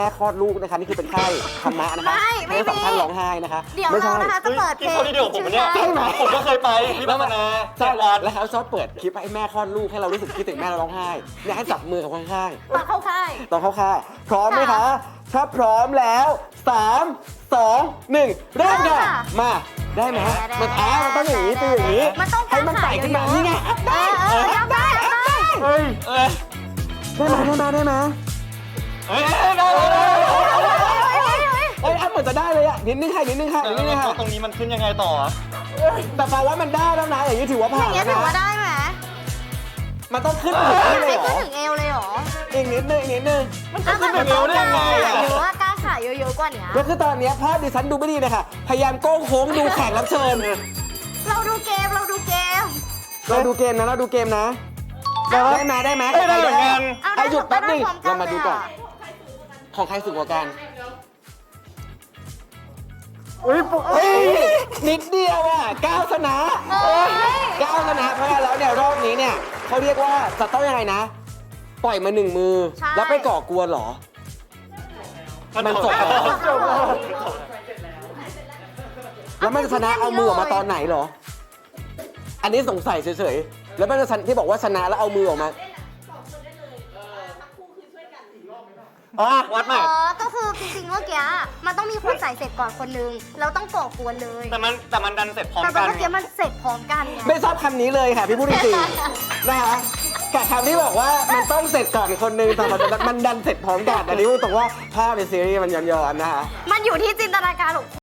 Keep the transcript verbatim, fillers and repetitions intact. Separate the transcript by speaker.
Speaker 1: แม่คลอดลูกนะคะนี่คือเป็นไข้ธรรมะนะคะไม่สองท่านร้องไห้นะคะ
Speaker 2: เดี๋ยวเรานะคะจะเปิดเพลง
Speaker 3: ที่เขาที่เดียวผมเนี่ยใช่ไหมผมก็เคยไปที่บ้านนา
Speaker 1: ใช่แล้วแล้วเขาชอบเปิดคลิปให้แม่คลอดลูกให้เรารู้สึกคิดถึงแม่เราร้องไห้เนี่ยให้จับมือกับข้าง
Speaker 2: ตอนเข้าค่าย
Speaker 1: ๆตอนเข้าค่ายพร้อมไหมคะถ้าพร้อมแล้วสามสองหนึ่งเริ่มค่ะมาได้ไหมมันแอบมันต้องอย่างนี้เป็นอย่างนี้
Speaker 2: มันต้อง
Speaker 1: ให้มันไต่ขึ้นมานี่ไง
Speaker 2: เออเออเอาได้เอาได้
Speaker 1: เฮ้ย
Speaker 3: เอ้ย
Speaker 1: ได้ไหมได้ไหมได้ไหม
Speaker 3: เอ้ยได้ได้ได้
Speaker 1: เอ้ยเหมือนจะได้เลยอ่ะนิดนึงค่ะนิดนึงค่ะนิดนึงค่ะ
Speaker 3: ตรงนี้มันขึ้นยังไงต่อ
Speaker 1: แต่แปลว่ามันได้แล้วนะอย่างนี้ถือว่า
Speaker 2: อ
Speaker 1: ผ่า
Speaker 2: ย่าน งเงี้ย
Speaker 1: แล้ว
Speaker 2: ถือว่า
Speaker 1: นะ
Speaker 2: ได้ไหม
Speaker 1: มันต้องขึ้นถึงนี่เลยเหร
Speaker 2: ขึ้น
Speaker 1: อ
Speaker 2: ถึงเอวเลยเหรอ
Speaker 1: อีกนิดนึงอีกนิดนึง
Speaker 3: มันจะขึ้นยังไงได้ยังไงอ่ะ
Speaker 2: หรือว่ากล้าขาเยอะๆกว่านี้
Speaker 1: ก็คือตอนนี้ภาพดิฉันดูไม่ดีเลยค่ะพยายามโก้งโค้งดูแขกรับเชิญ
Speaker 2: เราดูเกมเราดูเกม
Speaker 1: เราดูเกมนะเราดูเกมนะได้ไหมได้ไหม
Speaker 3: ได้เหมือนกัน
Speaker 1: ไอ้หยุดแป๊บนึงเรามาดูก่อนของใครสูงกว่ากันอุ้ยเฮ้ยนิดเดียวอ่ะก้าวชนะก้าวชนะเพราะฉะนั้นแล้วเนี่ยรอบนี้เนี่ยเขาเรียกว่าจะต้องยังไงนะ ปล่อยมาหนึ่งมือ แล้วไปก่อกวนเหรอ มันจบแล้ว แล้วมันจะชนะเอามือออกมาตอนไหนเหรอ อันนี้สงสัยเฉยๆ แล้วมันจะที่บอกว่าชนะแล้วเอามือออกมา
Speaker 3: อ๋อวัดใหม่
Speaker 2: อ๋อ ก็คือจริงๆเมื่อกี้มันต้องมีคนใส่เสร็จก่อนคนนึงเราต้องก่อกวนเลย
Speaker 3: แต่มันแต่มันดันเสร็จพร้อม
Speaker 2: แต่
Speaker 3: กัน
Speaker 2: เมื่อกี้มันเสร็จพร้อมกันไง
Speaker 1: ไม่ชอบคำนี้เลยค่ะพี่พูดจริงๆนะคะกับคำที่บอกว่ามันต้องเสร็จก่อนคนนึงแต่มันมันดันเสร็จพร้อมกันอันนี้พูดตรงว่าภาพในซีรีส์มันย้อนๆนะคะ
Speaker 2: มันอยู่ที่จินตนาการของ